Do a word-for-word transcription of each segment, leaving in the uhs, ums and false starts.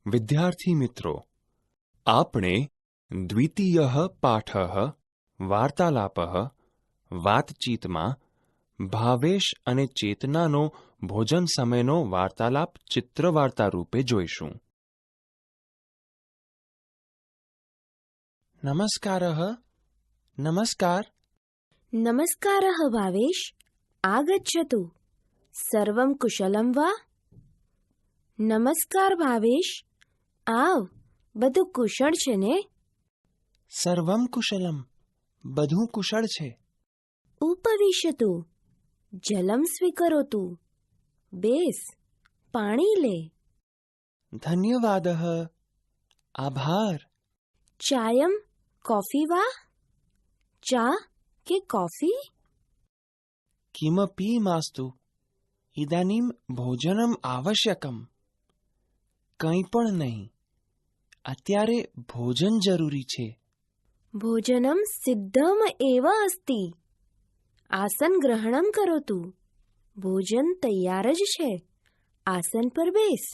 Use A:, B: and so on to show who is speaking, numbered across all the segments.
A: વિદ્યાર્થી મિત્રો, આપણે દ્વિતીયઃ પાઠઃ વાર્તાલાપઃ વાતચીતમાં ભાવેશ અને ચેતનાનો ભોજન સમયનો વાર્તાલાપ ચિત્રવાર્તા રૂપે જોઈશું. નમસ્કારઃ. નમસ્કાર.
B: નમસ્કારઃ ભાવેશ, આગચ્છતુ. સર્વં કુશલં વા? નમસ્કાર ભાવેશ, આવ. બધું કુશળ છે ને?
A: સર્વં કુશલમ. બધું કુશળ છે.
B: ઉપવિશતુ. જલમ સ્વીકરોતુ. બેસ, પાણી લે.
A: ધન્યવાદઃ. આભાર.
B: ચાયમ કોફી વા? ચા કે કોફી?
A: કિમપી માસ્તુ. ઇદાનીમ ભોજનમ આવશ્યકમ. કંઈ પણ નહીં. અત્યારે ભોજન જરૂરી છે.
B: ભોજનમ સિદ્ધમ એવ અસ્તિ. આસન ગ્રહણમ કરોતુ. ભોજન તૈયાર જ છે. આસન પર બેસ.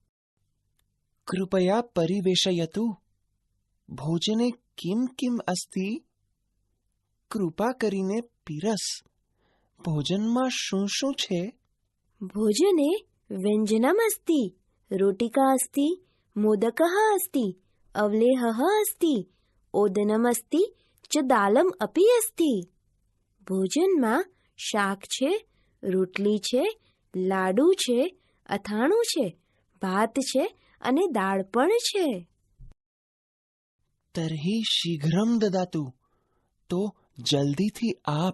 A: કૃપયા પરિવેશયતુ. ભોજને કિમ કિમ અસ્તિ? કૃપા કરીને પીરસ. ભોજનમાં શું શું છે?
B: ભોજને વ્યંજનમ અસ્તિ. રોટિકા અસ્તિ, મોદકઃ અસ્તિ, અવલેહઃ અસ્તિ, ઓદનમ અસ્તિ ચ દાલમ અપી અસ્તિ. ભોજનમાં શાક છે, રોટલી છે, લાડુ છે, અથાણું છે, ભાત છે અને દાળ પણ છે.
A: તર્હિ શીઘ્રમ દદાતુ. તો જલ્દીથી આપ.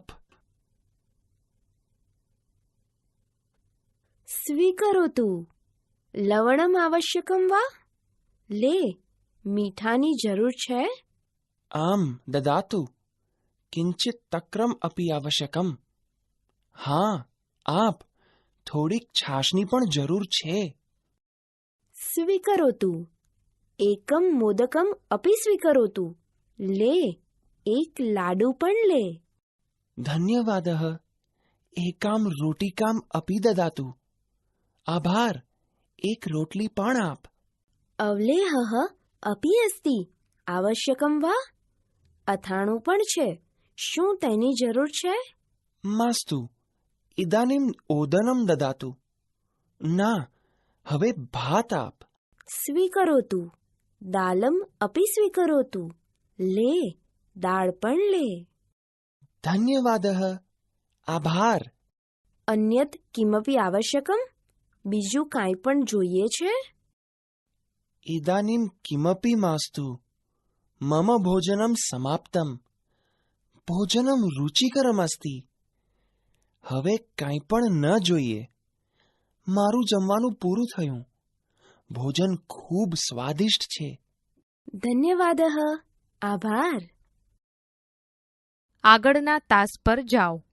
B: સ્વીકરોતુ. લવણમ આવશ્યકમ વા? લે, મીઠાની જરૂર છે?
A: આમ દદાતુ. કિંચિત તક્રમ અપી આવશ્યકમ. હા, આપ. થોડીક છાશની પણ જરૂર છે.
B: સ્વીકરોતુ. એકમ મોદકમ અપી સ્વીકરોતુ. લે, એક લાડુ પણ લે.
A: ધન્યવાદઃ. એકામ રોટિકામ અપી દદાતુ. આભાર. એક રોટલી પણ આપ.
B: અવલેહઃ અપી અસ્તિ. આવશ્યકમ વા? અથાણું પણ છે. શું તેની જરૂર છે?
A: માસ્તુ. ઇદાનીમ ઓદનમ દદાતુ. ના, હવે ભાત આપ.
B: સ્વીકરોતુ. દાલમ અપી સ્વીકરોતુ. લે, દાળ પણ લે.
A: ધન્યવાદઃ. આભાર.
B: અન્યત કિમપી આવશ્યકમ? બીજું કાંઈ પણ જોઈએ છે?
A: ઇદાનીમ કિમપી માસ્તુ. મમ ભોજનમ સમાપ્તમ. ભોજનમ રુચિકરમ અસ્તિ. હવે કાંઈ પણ ન જોઈએ. મારું જમવાનું પૂરું થયું. ભોજન ખૂબ સ્વાદિષ્ટ છે.
B: ધન્યવાદઃ. આભાર.
C: આગળના તાસ પર જાઓ.